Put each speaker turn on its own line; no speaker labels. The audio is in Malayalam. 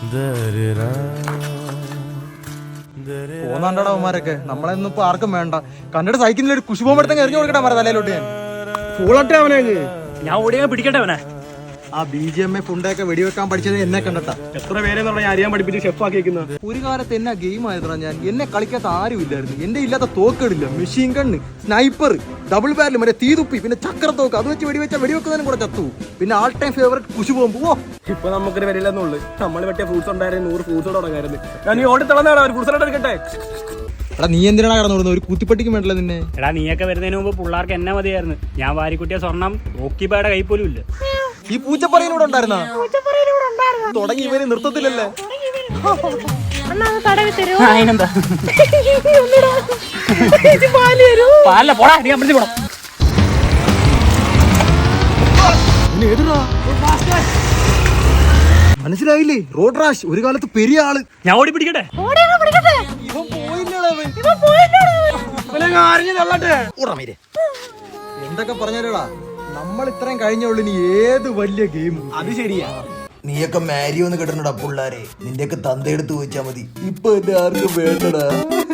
പോന്നാണ്ടാടാ അവന്മാരൊക്കെ നമ്മളെന്നും ഇപ്പൊ ആർക്കും വേണ്ട. കണ്ടിട്ട് സൈക്കിളിൽ ഒരു കുശുപോമ്പടുത്തേക്ക് എറിഞ്ഞു കൊടുക്കട്ടെ മര തലയിലോട്ട് ഞാൻ ഫൂളട്ടെ അവനെ.
ഞാൻ ഓടിയാ പിടിക്കട്ടെ അവനെ.
ആ BGMA ഫുണ്ടൊക്കെ വെടിവെക്കാൻ പഠിച്ചത് എന്നെ കണ്ടിട്ടാ.
എത്ര പേരെന്ന് പറഞ്ഞാൽ അറിയാൻ പഠിപ്പിച്ച് ഷെഫ് ആക്കിയിരിക്കുന്നത്.
ഒരു കാലത്ത് എന്നാ ഗെയിം ആയതാ ഞാൻ. എന്നെ കളിക്കാത്ത ആരും ഇല്ലായിരുന്നു. എന്റെ ഇല്ലാത്ത തോക്കുകളില്ല, machine gun, sniper, double barrel, മറ്റേ തീതുപ്പി, പിന്നെ ചക്രത്തോക്ക്, അത് വെച്ച് വെടിവെക്കുന്നതിനും കൂടെ ചത്തു. പിന്നെ ആൾ ടൈം ഫേവറേറ്റ് കുശുപോമ്പ്.
ഇപ്പൊ നമുക്കൊരു വരില്ലെന്നുള്ളു. നമ്മൾ വെട്ടിയ ഫ്രൂട്ട്സ് ഉണ്ടായിരുന്നു 100 ഫ്രൂട്ട്സ് തുടങ്ങായിരുന്നു. ഞാൻ ഈ ഓടി തളർന്നാണ് ഒരു ഫ്രൂട്ട്സ് എടുക്കട്ടെ.
എടാ നീ എന്തിനാണ് കടന്നു ഒരു കുത്തിപ്പട്ടിക്കും വേണ്ടല്ലോ നിന്നെ.
എടാ നീയൊക്കെ വരുന്നതിന് മുമ്പ് പിള്ളേർക്ക് എന്നെ മതിയായിരുന്നു. ഞാൻ വാരിക്കുട്ടിയ സ്വർണം ഓക്കിബായുടെ കൈ പോലും ഇല്ല.
ഈ പൂച്ചപ്പറയിലൂടെ ഉണ്ടായിരുന്ന തുടങ്ങി ഇവര് നിർത്തത്തില്ലല്ലേ.
അതിനെന്താ പാല പോടാ നീ അമ്പലത്തിൽ പോടാ.
മനസ്സിലായില്ലേ? റോഡ് റാഷ് ഒരു കാലത്ത് പെരിയ ആള്.
ഞാൻ ഓടി പിടിക്കട്ടെ.
എന്തൊക്കെ പറഞ്ഞാലോടാ, നമ്മൾ ഇത്രയും കഴിഞ്ഞുള്ളൂ. ഇനി ഏത് വലിയ ഗെയിം.
അത് ശരിയാ.
നീയൊക്കെ മാരിയോന്ന് കിട്ടണടാ പിള്ളാരെ. നിന്റെയൊക്കെ തന്തയെടുത്ത് ചോദിച്ചാ മതി. ഇപ്പൊ എന്നെ ആർക്കും വേണ്ടടാ.